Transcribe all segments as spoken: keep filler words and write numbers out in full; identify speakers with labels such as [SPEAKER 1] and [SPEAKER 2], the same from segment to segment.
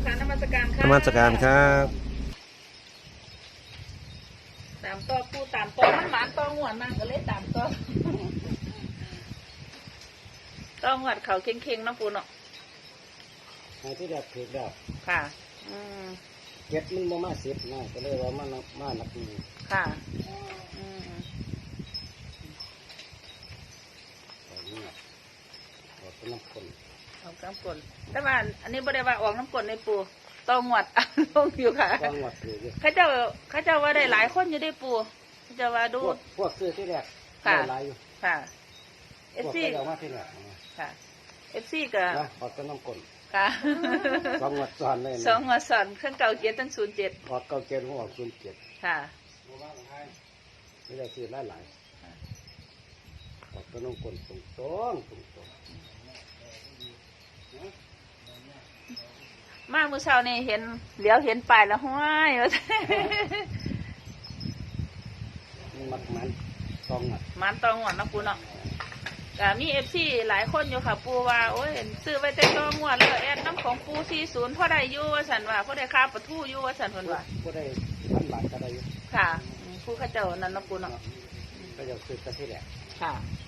[SPEAKER 1] ค่ะนมัสการค่ะ
[SPEAKER 2] นมัสการครับ
[SPEAKER 1] ตามต่อปูตามต่อมันหมานต่อหวดมากก็เลยตามต่อต่อหวดเขาเข่งๆเนาะปูเนาะ
[SPEAKER 3] ในที่แรกถือแล้ว
[SPEAKER 1] ค่ะอืม
[SPEAKER 3] เก็บมันบ่มาสิบนะก็เลยว่ามันมาหนักมือ
[SPEAKER 1] ค่ะอืม
[SPEAKER 3] แบบนี้ออกเป็นน้ำข้น
[SPEAKER 1] ออกน้ำกลนแต่ว่าอันนี้บ่ได้ว่าออกน้ำกลนในปูต่อหวดลงอยู่ค่ะ
[SPEAKER 3] ต้องหวัดถืออยู่
[SPEAKER 1] เขาเจ้าเขาเจ้าว่าได้หลายคนอยู่ได้ปูเขาเจ้าว่าดู
[SPEAKER 3] พวกพวกซื้อที่แรก
[SPEAKER 1] ค่ะ
[SPEAKER 3] ได้หลายอยู่
[SPEAKER 1] ค่ะเอ
[SPEAKER 3] พ
[SPEAKER 1] ฟ
[SPEAKER 3] วก
[SPEAKER 1] ซี
[SPEAKER 3] ก็เอามาที่แรกนะ
[SPEAKER 1] ค่ะเอฟซีก็
[SPEAKER 3] นะออกเป็นน้ำข้น
[SPEAKER 1] ค่ะ
[SPEAKER 3] สองหวัดซ้อนเลยนะ
[SPEAKER 1] สองหัวสอนเครื่องเก่าเกียร์ตั้งศูนย์เจ็ด
[SPEAKER 3] ออกเก้าเกณฑ์ของออกศูนย์เจ็ด
[SPEAKER 1] ค่ะ
[SPEAKER 3] นี่ได้ซื้อหลายหลายออกเป็นน้ำข้นตรงตรงตรงตรง
[SPEAKER 1] มาเมื่อเช้านี่เห็นเหลียวเห็นป้ายแล้วห้วยว่า
[SPEAKER 3] มันมักมันสองหวัด
[SPEAKER 1] มันตองหวดนะปูเนาะก็มีเอฟซีหลายคนอยู่ค่ะปูว่าโอ้ยซื้อไว้แต่ตองหวดแล้วแอดน้ำของปูสี่ศูนย์พ่อได้อยู่ว่าสันว่าพ่อได้ค่าประทูอยู่ว่าสันเพิ่นว่า
[SPEAKER 3] ก็ได้พันบาทก็ได้อยู่
[SPEAKER 1] ค่ะผู้ข้าเจ้านั่นนะปูเนาะ
[SPEAKER 3] ก็จะซื้อแต่ที่แรก
[SPEAKER 1] ค่ะ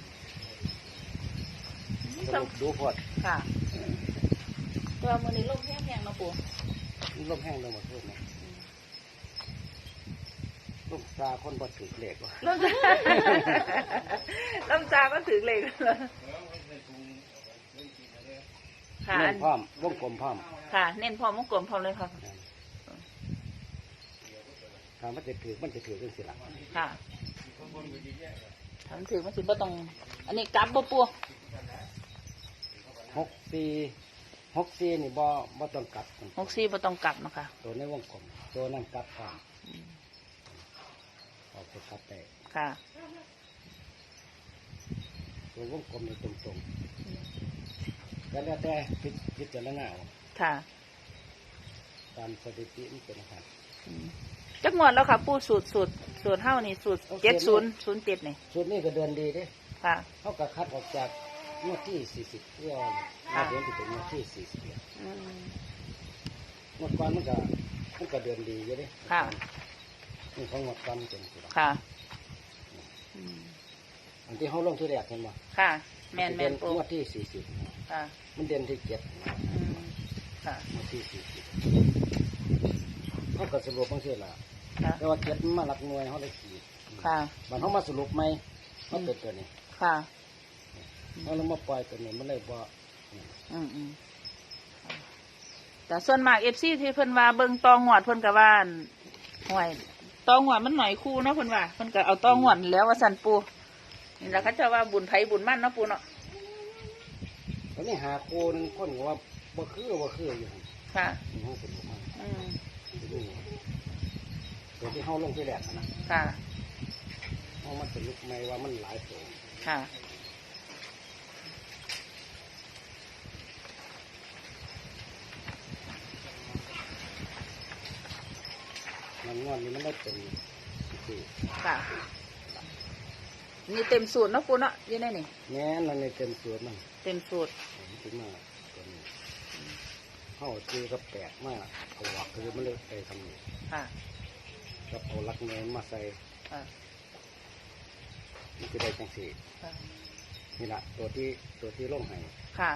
[SPEAKER 3] สรุปดูพอด
[SPEAKER 1] ค่ะตัวมือนี้ลมแห้งๆนะปู
[SPEAKER 3] ลมแห้งลงหมดทุกนะลมซาคนบ่ถือเหล็กว่ะ
[SPEAKER 1] ลมจากลมจากก็ถึงเลยค่ะ
[SPEAKER 3] เน้นพร้อมวงกลมพร้อม
[SPEAKER 1] ค่ะ เน้นพร้อมวงกลมพร้อมเลยค่ะ
[SPEAKER 3] ถามว่าจะถือมันจะถือกันสิละ
[SPEAKER 1] ค่ะถามถึงมันสิบ่ต้องอันนี้กลับบ่ปู
[SPEAKER 3] หกสี่หกสี่นี่บ่บ่ต้องกลับ
[SPEAKER 1] หกสี่บ่ต้องกลับนะคะ
[SPEAKER 3] ตัวในวงกลมตัวนั่นกลับพร้อมออกไปกลับได้
[SPEAKER 1] ค่ะ
[SPEAKER 3] ตัววงกลมนี่ตรงๆแล้วแต่พิพิจารณาเอา
[SPEAKER 1] ค่ะ
[SPEAKER 3] ตามสถิติมันเป็นนะครับ
[SPEAKER 1] จักงวดแล้วค่ะปูสูตรสูตรสูตรเท่านี่สูตรเจ็ดศูนย์ศูนย์เจ็ดนี่
[SPEAKER 3] ชุดนี้ก็เดินดีเด้
[SPEAKER 1] ค่ะ
[SPEAKER 3] เขาก็คัดออกจากงวดที่สี่สิบเพื่อมาเดือนที่เป็นงวดที่สี่สิบเนี่ย
[SPEAKER 1] อืม
[SPEAKER 3] งวดก่อนมันก็มันก็เดินดีอยู่เด้
[SPEAKER 1] ค่ะ
[SPEAKER 3] นี่ของงวดก่อนมันเป็นสิบ
[SPEAKER 1] ค่ะอืม
[SPEAKER 3] อันที่เขาลงที่แรกเห็นบ่
[SPEAKER 1] ค่ะ แมนแม
[SPEAKER 3] เด่
[SPEAKER 1] น
[SPEAKER 3] น
[SPEAKER 1] ปู
[SPEAKER 3] งวดที่สี่สิบ
[SPEAKER 1] ค่ะ
[SPEAKER 3] มันเด่นที่เจ็ด
[SPEAKER 1] อืมค่ะ
[SPEAKER 3] งวดที่สี่สิบเขาก็สรุปบางทีละ
[SPEAKER 1] ค่ะ
[SPEAKER 3] แต่ว่าเจ็ดมันมาหลักหน่วยเขาเลยขีด
[SPEAKER 1] ค่ะ
[SPEAKER 3] มันเขามาสรุปไหมเขาเป็นตัวนี้
[SPEAKER 1] ค่ะ
[SPEAKER 3] เขาเลยมาปล่อยตัวนี้มันเลยบ่
[SPEAKER 1] อืมอืมแต่ส่วนมากเอฟซีที่เพิ่นว่าเบิ่งตองหวดเพิ่นก็ว่าอั่นห่วยตองหวดมันหน่อยคู่เนาะเพิ่นว่าเพิ่นก็เอาตองหวดแล้วว่าสั่นปูนี่แหละเขาจะว่าบุญไผบุญมั่นเนาะปูเนาะ
[SPEAKER 3] ตอนนี้หาโคนึงคนก็ว่าบ่คือบ่คืออยู่หั่น
[SPEAKER 1] ค่ะ
[SPEAKER 3] นี่เขาสรุปมา
[SPEAKER 1] อืม
[SPEAKER 3] ตัวที่เขาลงที่แรกนะ
[SPEAKER 1] ค่ะ
[SPEAKER 3] เขามันสรุปไหมว่ามันหลายตัว
[SPEAKER 1] ค่ะ
[SPEAKER 3] มันงอนนี่มันได้เป็นสี่
[SPEAKER 1] ค่ะ นี่เต็มสูตรเนาะปูเนาะอยี่ในนี่
[SPEAKER 3] แม้นั่นในเต็มส่วนมัน
[SPEAKER 1] เต็มสูตร
[SPEAKER 3] ถึงมาตัวนี้เข้าจีก็แปลกมากเอาหวักคือมันเลยไปทำนี่
[SPEAKER 1] ค่ะ
[SPEAKER 3] กับเอาลักเนนมาใส่
[SPEAKER 1] ค่ะ
[SPEAKER 3] มันจะได้จังสี่
[SPEAKER 1] ค่ะ
[SPEAKER 3] นี่แหละตัวที่ตัวที่ล่งให้
[SPEAKER 1] ค่ะ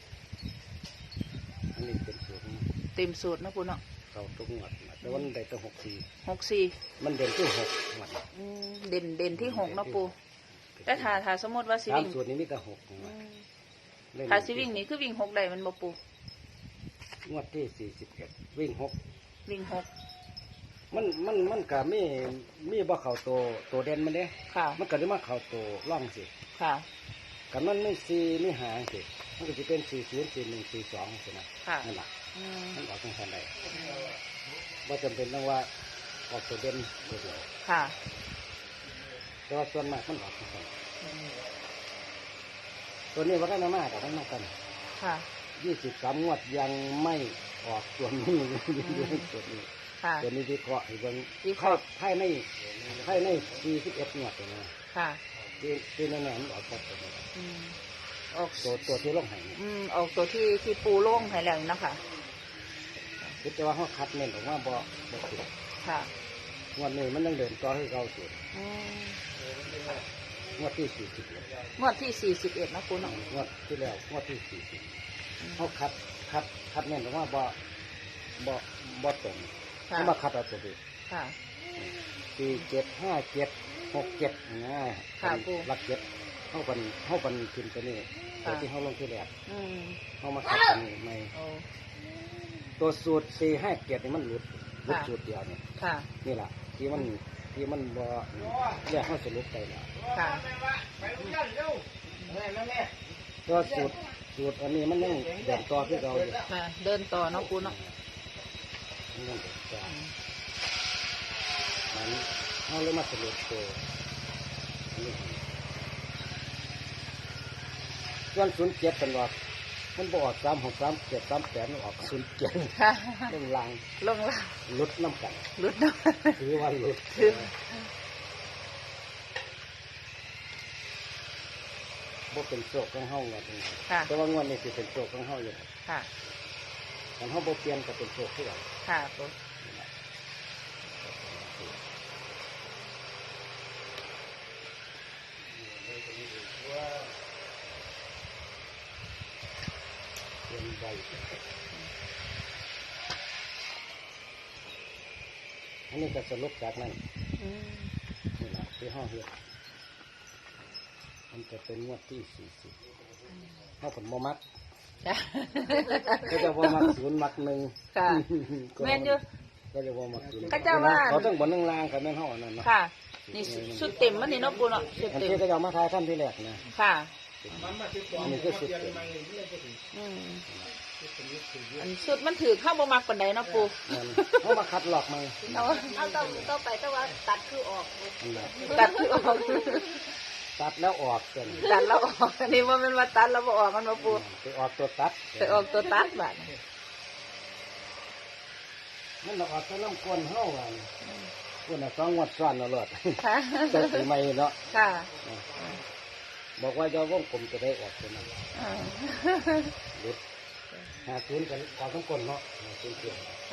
[SPEAKER 3] อันนี้เป็นส่วนของมัน
[SPEAKER 1] เต็มสูตรเนาะปูเนาะ
[SPEAKER 3] เขาทุกงวดนะแต่ว่ามันได้ตัวหกสี่
[SPEAKER 1] หกสี่
[SPEAKER 3] มันเด่นที่หกงวด
[SPEAKER 1] อืมเด่นเด่นที่หกเนาะปูแต่ถ้าถ้าสมมติว่าสิ
[SPEAKER 3] ตาม
[SPEAKER 1] วิ่ง
[SPEAKER 3] ส่วนนี้มีแต่หกงว
[SPEAKER 1] อื
[SPEAKER 3] ด
[SPEAKER 1] ม
[SPEAKER 3] เล่น
[SPEAKER 1] ถ้าสิวิ่งนี่คือวิ่งหกได้มันบ่ปู
[SPEAKER 3] งวดที่สี่สิบเอ็ดวิ่งหก
[SPEAKER 1] วิ่งหก
[SPEAKER 3] มันมันมันก็มีมีบ่เข่าตัวตัวเด่นมันเด้
[SPEAKER 1] ค่ะ
[SPEAKER 3] มันก็ได้มาเข่าตัวร่องสิ
[SPEAKER 1] ค่ะ
[SPEAKER 3] กันมันไม่สี่ไม่หางสิมันก็จะเป็นสี่ศูนย์สี่หนึ่งสี่สองสินะ
[SPEAKER 1] ค่ะ
[SPEAKER 3] นั่นแหละ
[SPEAKER 1] อืม
[SPEAKER 3] มันออกทางทันใดว่าจำเป็นต้องว่าออกตัวเด่นตัวเดียว
[SPEAKER 1] ค่ะ
[SPEAKER 3] แต่ว่าส่วนมากมันออกทางทัน
[SPEAKER 1] อืม
[SPEAKER 3] ตัวนี้ว่าได้มามากแต่ทั้งมากกัน
[SPEAKER 1] ค่ะ
[SPEAKER 3] ยี่สิบสามงวดยังไม่ออกตัวนี้ตัวนี้
[SPEAKER 1] ค่ะ
[SPEAKER 3] ตัวนี้วิเคราะห์อีกวัน
[SPEAKER 1] วิเคราะห์
[SPEAKER 3] ไพ่ในไพ่ในสี่สิบเอ็ดงวดตัวนี้
[SPEAKER 1] ค่ะ
[SPEAKER 3] ที่ที่แน่ๆมันออกตัวตัวนี้
[SPEAKER 1] อืมออก
[SPEAKER 3] ตัวตัวที่ลงใหาย
[SPEAKER 1] อืมออกตัวที่ที่ปูโล่งให้แล้วนะคะ
[SPEAKER 3] คิดแต่ว่าเขาคัดเน้นออกมาบ่บ่ถูก
[SPEAKER 1] ค่ะ
[SPEAKER 3] งวดนี้มันยังเดินต่อให้เราสุด
[SPEAKER 1] อืม
[SPEAKER 3] งวดที่สี่สิบเอ็ด
[SPEAKER 1] งวดที่สี่สิบเอ็ดนะปูเนาะ
[SPEAKER 3] งวดที่แล้วงวดที่สี่สิบเขาคัดคัดคัดเน้นออกมาบ่บ่บ่ตรง
[SPEAKER 1] ค่ะ
[SPEAKER 3] เขามาคัดเอาตัวเดียว
[SPEAKER 1] ค่ะ
[SPEAKER 3] สี่เจ็ดห้าเจ็ดหกเจ็ดง่าย
[SPEAKER 1] ค่ะปู่
[SPEAKER 3] หลักเจ็ดเข้าปันเข้าปันขึ้นตัวนี้ตัวที่เขาลงที่แรก
[SPEAKER 1] อืม
[SPEAKER 3] เขามาคัดตัวนี้ไม่
[SPEAKER 1] โอ้
[SPEAKER 3] ตัวสูตรสี่ห้าเจ็ดนี่มันหลุดหลุด
[SPEAKER 1] ค่ะ
[SPEAKER 3] สูตรเดียวเนี่ย
[SPEAKER 1] ค่ะ
[SPEAKER 3] นี่แหละที่มันที่มันบ่เรียกเขาสรุปไปแล้ว
[SPEAKER 1] ค่ะ
[SPEAKER 3] ตัวสูตรสูตรอันนี้มันยังเดินต่อที่เราอยู่
[SPEAKER 1] ค่ะ เดินต่อเนาะปูเนาะ
[SPEAKER 3] มันยังเดินต่ออันนี้เขาเลยมาสรุปตัวอันนี้ส่วนศูนย์เจ็ดเป็นว่ามันบออกสามหกสามเจ็ดสามแปดมันออกศูนย์เจ็ด
[SPEAKER 1] ค่ะ
[SPEAKER 3] เรื่องลาง
[SPEAKER 1] ลงล่าง
[SPEAKER 3] ลุดน้ำกัน
[SPEAKER 1] ลุดเนาะ
[SPEAKER 3] ถือว่าลุด
[SPEAKER 1] ถือ
[SPEAKER 3] บ่เป็นโศกของเฮาเงาตรงนี้
[SPEAKER 1] ค่ะ
[SPEAKER 3] แต่ว่างวดนี้สิเป็นโศกของเฮาอยู่
[SPEAKER 1] ค่ะ
[SPEAKER 3] ถ้าเฮาบ่เปลี่ยนก็เป็นโศกที่เรา
[SPEAKER 1] ค่ะปู
[SPEAKER 3] เปลี่ยนใบอันนี้ก็สรุปจากนั้น
[SPEAKER 1] อืม
[SPEAKER 3] นี่แหละที่ห้าเฮ็ดมันจะเป็นงวดที่สี่สิบห้าผลโมมัก
[SPEAKER 1] จ้ะ
[SPEAKER 3] ก็จะว่ามักศูนย์มักหนึ่ง
[SPEAKER 1] ค่ะ แม่นอยู่
[SPEAKER 3] ก็จะว่ามักศูนย์
[SPEAKER 1] ก็จะว่า
[SPEAKER 3] เขาต้องบนหนึ่งลางกับแม่นห้าอันนั้นเนาะ
[SPEAKER 1] ค่ะ นี่ชุดเต็มมันนี่เนาะปูเนาะชุด
[SPEAKER 3] อัน
[SPEAKER 1] เต็ม
[SPEAKER 3] ที่ก็จะเอามาทายท่านที่แรกนะ
[SPEAKER 1] ค่ะ
[SPEAKER 3] อันนี้คือสุดเต็ม
[SPEAKER 1] อืมอันชุดมันถือเข้าบ่มักปานใดเนาะปู
[SPEAKER 3] มันเขามาคัดหลอกมา
[SPEAKER 1] เอา
[SPEAKER 2] เอาต้องต้องไปแต่ว่าตัดคือออก
[SPEAKER 3] อันนั้น
[SPEAKER 1] ตัดคือออก
[SPEAKER 3] ตัดแล้วออกกัน
[SPEAKER 1] ตัดแล้วออกอันนี้ว่ามันว่าตัดแล้วบ่ออกมันบ่ปู
[SPEAKER 3] ไปออกตัวตัด
[SPEAKER 1] ไปออกตัวตัดบาด
[SPEAKER 3] มันออกตัวน้ำก้นเฮ้าอันก้นอ่ะสองงวดซ้อนเอาหลอด
[SPEAKER 1] ค่ะ
[SPEAKER 3] แต่สีใหม่เนาะ
[SPEAKER 1] ค่ะ
[SPEAKER 3] บอกว่าจะว่องกลมจะได้ออกตัวนั้น
[SPEAKER 1] อ่า
[SPEAKER 3] หลุดหาศูนย์กันออกทั้งก้นเนาะหาศูนย์เกี่ยว
[SPEAKER 1] ค่ะ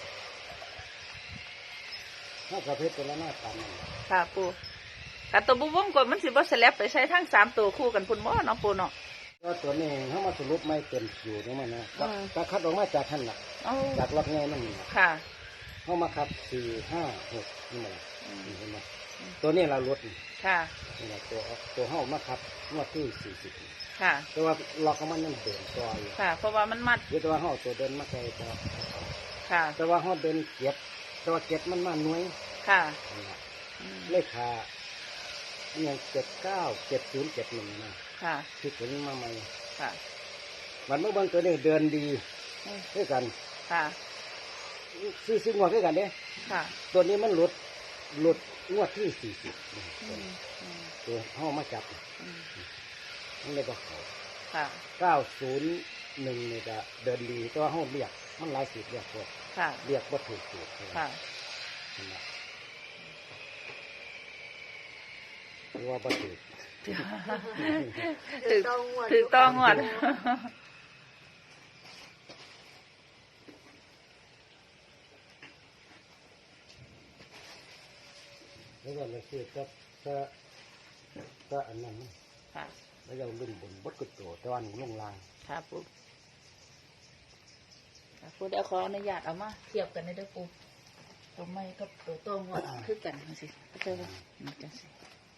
[SPEAKER 3] ถ้ากระเพชรตัวละหน้าตามนั่น
[SPEAKER 1] ค่ะปูกัตัวบุวงกดมันสิบ่สลับไปใช้ทั้งสามตัวคู่กันพุ่นบ่เนาะปูเนาะ
[SPEAKER 3] ก็ตัวนี้เขามาสรุปไม่เต็มอยู่นี่มันนะ
[SPEAKER 1] อืม
[SPEAKER 3] ก็คัดออกมาจากท่านหลัก
[SPEAKER 1] เอา
[SPEAKER 3] จากล็อกไงนั่นน่ะ
[SPEAKER 1] ค่ะ
[SPEAKER 3] เขามาคัดสี่ห้าหกนี่มัน
[SPEAKER 1] อืม
[SPEAKER 3] นี่เห็นไหมตัวนี้เราลด
[SPEAKER 1] ค่ะ
[SPEAKER 3] นี่แหละตัวตัวเขามาคัดงวดที่สี่สิบ
[SPEAKER 1] ค่ะ
[SPEAKER 3] แต่ว่าล็อกของมันนั่นเดินตัวอยู่
[SPEAKER 1] ค่ะ เพราะว่ามันมัด
[SPEAKER 3] เดี๋ยวแต่ว่าเขาเอาตัวเดินมาใส่ตัว
[SPEAKER 1] ค่ะ
[SPEAKER 3] แต่ว่าเขาเดินเก็บแต่ว่าเก็บมันมาหน่วย
[SPEAKER 1] ค่ะ
[SPEAKER 3] นี่ล่ะ
[SPEAKER 1] อืม
[SPEAKER 3] เลขาอันอย่างเจ็ดเก้าเจ็ดศูนย์เจ็ดหนึ่งนะ
[SPEAKER 1] ค่ะ
[SPEAKER 3] ที่ถึงมาใหม่
[SPEAKER 1] ค่ะ
[SPEAKER 3] มันเมื่อบางตัวนี้เดินดี
[SPEAKER 1] อืม
[SPEAKER 3] ด้วยกัน
[SPEAKER 1] ค่ะ
[SPEAKER 3] ซื้อซื้องวดด้วยกันเด้
[SPEAKER 1] ค่ะ
[SPEAKER 3] ตัวนี้มันหลุดหลุดงวดที่สี่สิบ
[SPEAKER 1] อืมอืม
[SPEAKER 3] ตัวห้องมาจับ
[SPEAKER 1] อืม
[SPEAKER 3] มันเลยก็เขา
[SPEAKER 1] ค่ะ
[SPEAKER 3] เก้าศูนย์หนึ่งนี่ก็เดินดีแต่ว่าห้องเรียกมันหลายสิบเรียกพวก
[SPEAKER 1] ค่ะ
[SPEAKER 3] เรียกว่าถูกถูก
[SPEAKER 1] ค่ะ
[SPEAKER 3] นั่นแหละหรือว่าบ่ถูก
[SPEAKER 1] ถือถือต้องหมด
[SPEAKER 3] แล้วก็เลยคือก็ก็ก็อันนั้นนะ
[SPEAKER 1] ค่ะ
[SPEAKER 3] แล้วเราลุ่มบนบดกุดโตแต่วันลงลาง
[SPEAKER 1] ค่ะปูค่ะปูเดี๋ยวขออนุญาตเอามาเทียบกันได้ด้วยปูตัวไม่กับตัวโต้งว่าคือกันจังสิเข้าใจป่ะนี่จังสิ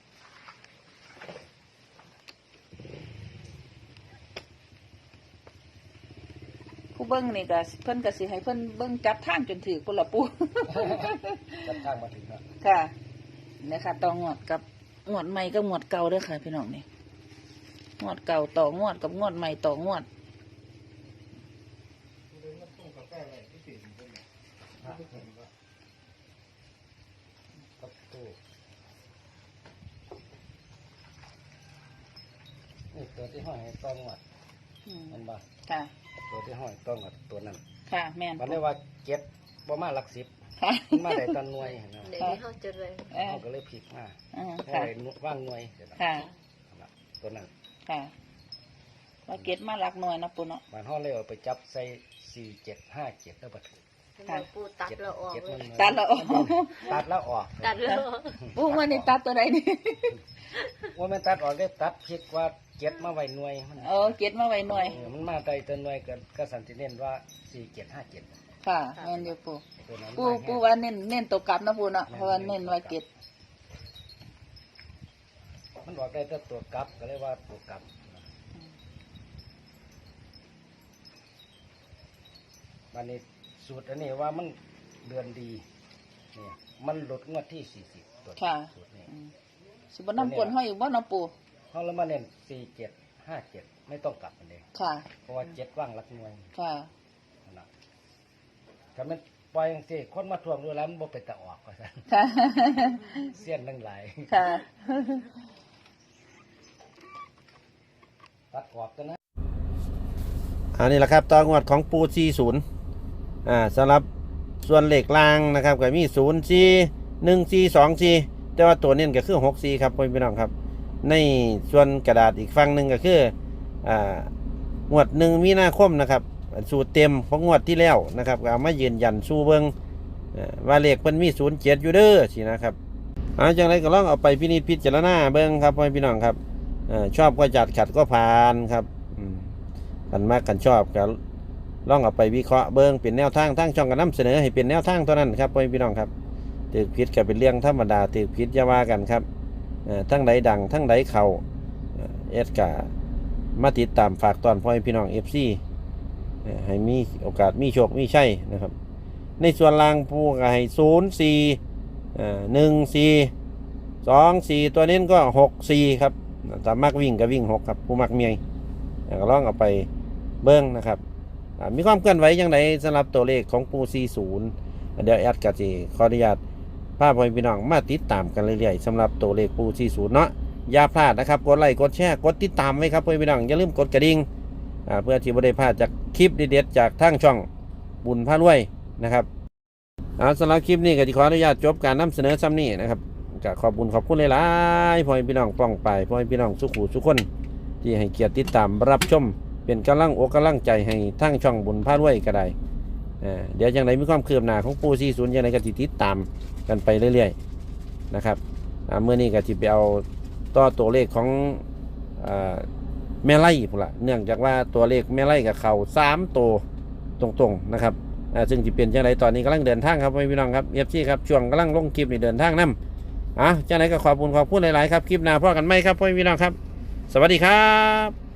[SPEAKER 1] ผู้เบิ้งนี่ก็เพิ่นก็สิให้เพิ่นเบิ้งจับทางจนถือปุ่นละปู
[SPEAKER 3] จับทางมาถึงแล้ว
[SPEAKER 1] ค่ะนี่ค่ะต่องวดกับงวดใหม่กับงวดเก่าเด้อค่ะพี่น้องนี่งวดเก่าต่องวดกับงวดใหม่ต่องวด
[SPEAKER 3] กับตู้นี่ตัวที่ห้อยให้ต้องวัด
[SPEAKER 1] อืม
[SPEAKER 3] มันบ่
[SPEAKER 1] ค่ะ
[SPEAKER 3] ตัวที่ห้อยต้องวัดตัวนั้น
[SPEAKER 1] ค่ะแม่น
[SPEAKER 3] มันเรียกว่าเก็บประมาณหลักสิบ
[SPEAKER 1] ค่ะ
[SPEAKER 3] มันมาได้ตันหน่วยนะ
[SPEAKER 2] เดี๋ยวนี้เขาจะเลย
[SPEAKER 1] เออ
[SPEAKER 3] เขาก็เลยผิดมา
[SPEAKER 1] อ่า
[SPEAKER 3] เพราะ
[SPEAKER 1] ค่ะ
[SPEAKER 3] ไอ้ว่างหน่วยเดี๋ยวนะ
[SPEAKER 1] ค่ะ
[SPEAKER 3] ตัวนั้น
[SPEAKER 1] ค่ะว่าเก็ตมาหลักหน่วยนะปูเนาะ
[SPEAKER 3] มันห้องเลยเอาไปจับใส่สี่เจ็ดห้าเจ็ดแล้วบัด
[SPEAKER 1] ค่ะ
[SPEAKER 2] ปูตัดแล้วออก
[SPEAKER 3] เจ็ด
[SPEAKER 2] เล
[SPEAKER 3] มัน
[SPEAKER 2] ย
[SPEAKER 1] ตัดแล้วออก
[SPEAKER 3] ตัดแล้วออก
[SPEAKER 2] ตัดแล้วออก
[SPEAKER 1] ปูมันนี่ตัดตัวใดนี่
[SPEAKER 3] ว่ามันตัดออกได้ตัดผิดว่าเจ็ดมาไว้หน่วยมัน
[SPEAKER 1] เออเก็ดมาไว้หน่อย
[SPEAKER 3] เออมันมาใจตัวหน่วยก็ก็สันติเน้นว่าสี่เจ็ดห้าเจ็ด
[SPEAKER 1] ค่ะแม่นอยู่ปู
[SPEAKER 3] ตัวนั้น
[SPEAKER 1] ปู
[SPEAKER 3] มาแห้ง
[SPEAKER 1] ปูว่าเน้นเน้นตัวกลับนะปูเนาะเพราะว่าเน้นไว้เก็ด
[SPEAKER 3] มันบอกได้แต่ตัวกลับก็เลยว่าตัวกลับวันนี้สูตรอันนี้ว่ามันเดือนดีเนี่ยมันหลุดงวดที่สี่สิบตัว
[SPEAKER 1] ค่ะ
[SPEAKER 3] สูตรนี้
[SPEAKER 1] อืมสิบ่นำกวนห้อยอยู่บ่เนาะปู
[SPEAKER 3] เขาแล้วมาเน้นสี่เจ็ดห้าเจ็ดไม่ต้องกลับมันเอง
[SPEAKER 1] ค่ะ
[SPEAKER 3] เพราะว่าเจ็ดว่างหลักหน่วย
[SPEAKER 1] ค่ะ
[SPEAKER 3] นั่นล่ะถ้ามันปล่อยอย่างที่คนมาทวงดูแล้วมันบ่เป็นตะออกก็ซะ
[SPEAKER 1] ค่ะ
[SPEAKER 3] เสี้ยนทั้งหลาย
[SPEAKER 1] ค่ะ
[SPEAKER 3] ตัดออกกันนะ
[SPEAKER 4] อันนี้แหละครับต่องวดของปูสี่ศูนย์อ่าสำหรับส่วนเหล็กล่างนะครับก็มีศูนย์สี่หนึ่งสี่สองสี่แต่ว่าตัวเน้นก็คือหกสี่ครับพี่น้องครับ ในส่วนกระดาษอีกฝั่งหนึ่งก็คืออ่างวดหนึ่งมีนาคมนะครับสูตรเต็มของงวดที่แล้วนะครับก็เอามายืนยันสู้เบิงอ่าว่าเลขมันมีศูนย์เจ็ดอยู่เด้อสินะครับเอาจังไรก็ลองเอาไปพินิจพิจารณาเบิงครับพี่น้องครับอ่าชอบก็จัดขัดก็ผ่านครับอืม กันมากกันชอบก็ลองเอาไปวิเคราะห์เบิ้งเป็นแนวทางทั้งช่องกันนำเสนอให้เป็นแนวทางเท่านั้นครับพี่น้องครับถือผิดก็เป็นเรื่องธรรมดาถือผิดอย่าว่ากันครับทั้งใดดังทั้งใดเข่าเอสกามาติดตามฝากตอนพ่อพี่น้องเอฟซีให้มีโอกาสมีโชคมีชัยนะครับในส่วนล่างผู้ก็ให้ศูนย์สี่หนึ่งสี่สองสี่ตัวนี้ก็หกสี่ครับแต่มักวิ่งก็วิ่งหกครับผู้มักเมียก็ลองเอาไปเบิ้งนะครับมีความเคลื่อนไหวอย่างไรสำหรับตัวเลขของปูสี่ศูนย์เดี๋ยวแอดกะจีขออนุญาตพาพ่อพี่น้องมาติดตามกันเรื่อยๆสำหรับตัวเลขปูสี่ศูนย์เนาะอย่าพลาดนะครับกดไลค์กดแชร์กดติดตามไว้ครับพ่อพี่น้องอย่าลืมกดกระดิ่งเพื่อที่จะได้พลาดจากคลิปเด็ดๆจากทางช่องบุญพารวยนะครับสำหรับคลิปนี้ก็จะขออนุญาตจบการนำเสนอซ้ำนี้นะครับก็ขอบคุณขอบคุณหลายๆพ่อพี่น้องป้องไปพ่อพี่น้องสุขุสุขคนที่ให้เกียรติติดตามรับชมเป็นกำลังอกกำลังใจให้ทั้งช่องบุญพารวยก็ได้เดี๋ยวอย่างไรมีความคืบหน้าของปูซีศูนย์อย่างไรก็ติดตามกันไปเรื่อยๆนะครับเมื่อนี้ก็จะไปเอาต่อตัวเลขของแม่ไล่พุ่นละเนื่องจากว่าตัวเลขแม่ไล่กับเขาสามตัวตรงๆนะครับซึ่งจะเป็นอย่างไรตอนนี้กำลังเดินทางครับพี่น้องครับเอฟซีครับช่วงกำลังลงคลิปนี่เดินทางนำอ่ะจากไหนก็ขอบคุณขอบคุณหลายๆครับคลิปหน้าพ่อกันไหมครับพี่น้องครับสวัสดีครับ